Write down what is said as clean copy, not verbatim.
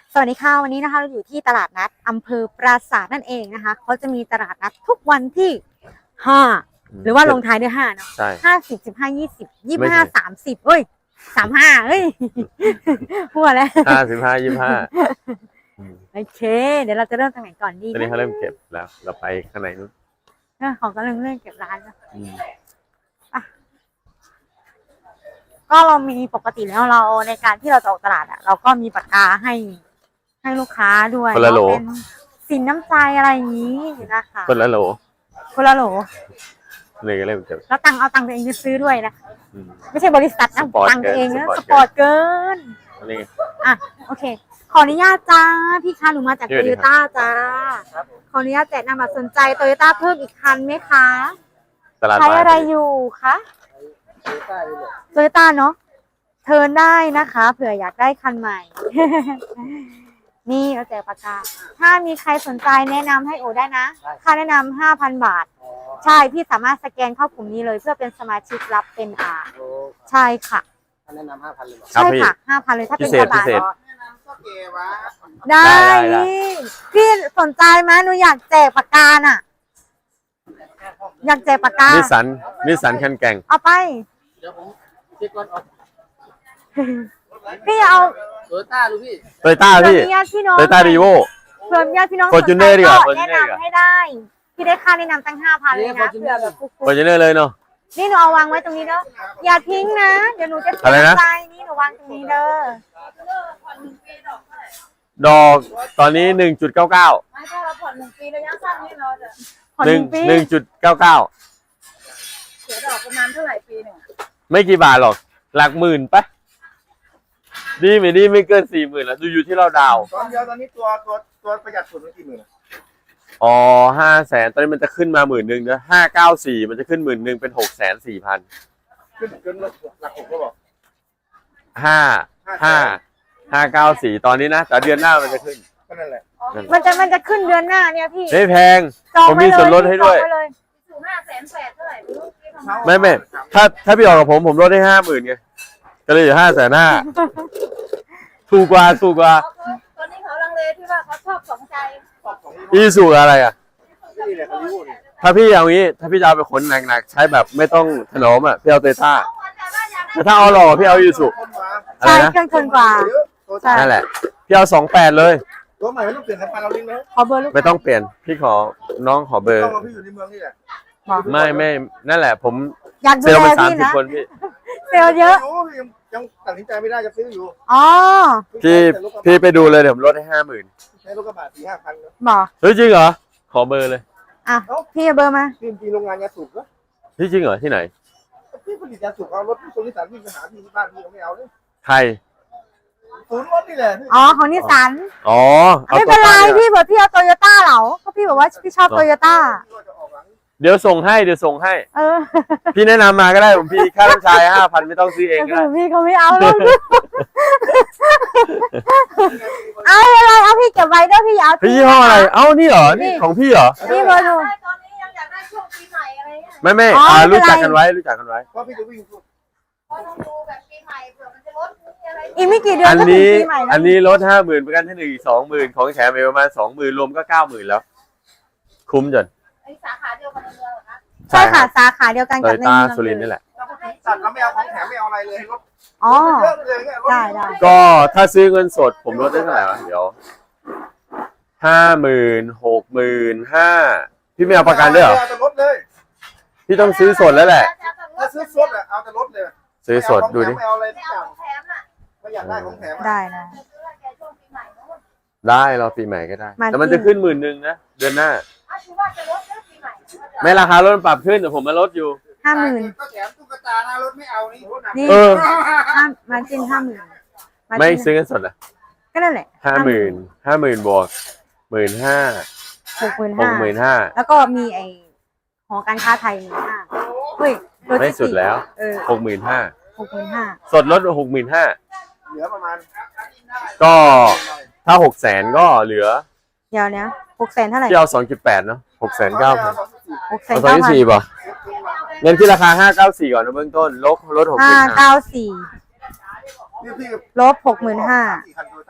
สวัสดีค่ะวันนี้นะคะเราอยู่ที่ตลาดนัดอำเภอปราสาทนั่นเองนะคะเขาจะมีตลาดนัดทุกวันที่5หรือว่าลงท้ายด้วย5เนาะใช่ 50 15 20 25 30เฮ้ย35เฮ้ยพูดแล้ว 55 25 โอเคเดี๋ยวเราจะเริ่มตรงไหนก่อนดีตอนนี้เขาเริ่มเก็บแล้วเราไปข้างในนู้นของก็เริ่มเก็บร้านแล้วก็เรามีปกติแล้วเราในการที่เราจะออกตลาดเราก็มีปากกาให้ลูกค้าด้วยเป็นสินน้ำใจอะไรอย่างนี้นะคะคนละโหลเลยก็เริ่มเก็บแล้วเอาตังค์ตัวเองไปซื้อด้วยนะไม่ใช่บริษัทนะตังค์ตัวเองนะสปอร์ตเกินโอเคขออนุญาตจ้าพี่คะหนูมาจากโตโยต้าจ้าขออนุญาตแจกนำบัตรสนใจโตโยต้าเพิ่มอีกคันไหมคะใช้อะไรอยู่คะโตโยต้าเนาะเทิร์นได้นะคะเผื่ออยากได้คันใหม่ นี่เราแจกปากกาถ้ามีใครสนใจแนะนำให้โอได้นะค่าแนะนำ 5,000 บาทใช่พี่สามารถสแกนเข้ากลุ่มนี้เลยเพื่อเป็นสมาชิกรับเป็นใช่ค่ะแนะนำ 5,000 เลยใช่ค่ะ 5,000 เลยถ้าเป็นตลาดได้พี่สนใจไหมหนูอยากแจกปากกาน่ะอยากแจกปากกานิสสันคันแก่งเอาไปเดี๋ยวผมเช็คก่อนออกพี่เอาโตโยต้าดูพี่โตโยต้าพี่โตโยต้ารีโวเพื่อนญาติพี่น้องฟอร์จูเนอร์ดีกว่าแนะนำให้ได้พี่ได้ค่าแนะนำตั้ง 5,000 เลยนะเผื่อแบบฟอร์จูเนอร์เลยเนาะนี่หนูเอาวางไว้ตรงนี้เด้ออย่าทิ้งนะเดี๋ยวหนูจะทิ้งใจนี่หนูวางตรงนี้เด้อดอกตอนนี้ 1.99 ไม่ใช่เราผ่อน1 ปีระยะสั้นนี่เราจะผ่อน1 ปี 1.99 เสียดอกประมาณเท่าไหร่ปีหนึ่งไม่กี่บาทหรอกหลักหมื่นปะดีไม่เกิน 40,000แล้วดูอยู่ที่เราดาวตอนเดียวตอนนี้ตัวประหยัดสุดมันกี่หมื่นอ๋อ500,000ตอนนี้มันจะขึ้นมา10,000นะ594มันจะขึ้น10,000เป็น640,000 ขึ้นเกินหลัก6ก็บอก 594ตอนนี้นะแต่เดือนหน้ามันจะขึ้นก็นั่นแหละมันจะขึ้นเดือนหน้าเนี่ยพี่ไม่แพงผมมีส่วนลดให้ด้วยสูง580,000เท่าไหร่ไม่ถ้าพี่ออกกับผมลดให้50,000ไงก็เลยอยู่550,000ถูกกว่าตอนนี้เขาลังเลที่ว่าเขาชอบสองใจอีสูอะไรอ่ะถ้าพี่เอางี้ถ้าพี่จะเอาไปขนหนักๆใช้แบบไม่ต้องถนอมอ่ะพี่เอาโตโยต้าแต่ถ้าเอาหล่อพี่เอาอีสูใช่เครื่องทนกว่านั่นแหละพี่เอา28เลยตัวใหม่ไม่ต้องเปลี่ยนสายพานเราลิงก์ไหมขอเบอร์ลูกไม่ต้องเปลี่ยนพี่น้องขอเบอร์พี่อยู่ในเมืองนี่แหละไม่นั่นแหละผมเซลล์ไป30 คนพี่เซลล์เยอะยังตัดสินใจไม่ได้จะซื้ออยู่พี่ไปดูเลยเดี๋ยวผมลดให้ 50,000ใช้รถกระบะ4-5,000 บอกเฮ้ยจริงเหรอขอเบอร์เลยพี่เบอร์มาพี่โรงงานยาสูบเหรอพี่จริงเหรอที่ไหนพี่ผลิตยาสูบเอารถที่นิสสันพี่ไปหาที่บ้านพี่เขาไม่เอาเลยใครศูนย์รถนี่แหละของนิสสันไม่เป็นไรพี่บอกพี่เอาโตโยต้าเหรอก็พี่บอกว่าพี่ชอบโตโยต้าเดี๋ยวส่งให้พี่แนะนำมาก็ได้ผมพี่ค่าน้ำชาย5,000ไม่ต้องซื้อเองก็ได้พี่เขาไม่เอาเลยเอาอะไรเอาพี่เก็บไว้ด้วยพี่เอาพี่ยี่ห้ออะไรเอานี่เหรอนี่ของพี่เหรอนี่เบอร์หนูตอนนี้ยังอยากได้ช่วงปีใหม่อะไรเงี้ยไม่รู้จักกันไว้เพราะพี่จะวิ่งเพราะต้องดูแบบปีใหม่เผื่อมันจะลดอะไรอีกไม่กี่เดือนอันนี้ลด50,000ประกันที่1อีก20,000ของแถมประมาณ20,000รวมก็90,000แล้วคุ้มจนสาขาเดียวกันในเมืองเหรอคะใช่ค่ะสาขาเดียวกันกับในเมืองสุรินทร์นี่แหละตัดแล้วไม่เอาของแถมไม่เอาอะไรเลยรถได้ก็ถ้าซื้อเงินสดผมลดได้เท่าไหร่วะเดี๋ยว50,000 65,000พี่ไม่เอาประกันด้วยเหรอพี่ต้องซื้อสดแล้วแหละถ้าซื้อสดอ่ะเอาแต่รถเลยซื้อสดดูดิไม่เอาอะไรทุกอย่างไม่อยากได้ของแถมได้นะได้เราปีใหม่ก็ได้แต่มันจะขึ้น10,000นะเดือนหน้าไม่ราคารถปรับขึ้นแต่ผมมาลดอยู่ 50,000 ก็แถมตุ๊กตาหน้ารถไม่เอานี่มาจิ้น50,000 ไม่ซื้อกันสดอ่ะก็นั่นแหละ 50,000บวก 65,000แล้วก็มีไอหอการค้าไทย15,000เฮ้ยไม่สุดแล้ว65,000สดลด65,000 เหลือประมาณก็ถ้า600,000ก็เหลือเดี๋ยวนี้600,000เท่าไหร่ที่เอา2.8เนาะ6,900เอา2.4ป่ะเงินที่ราคา594ก่อนนะเบื้องต้นลด65,000 594ลบ65,000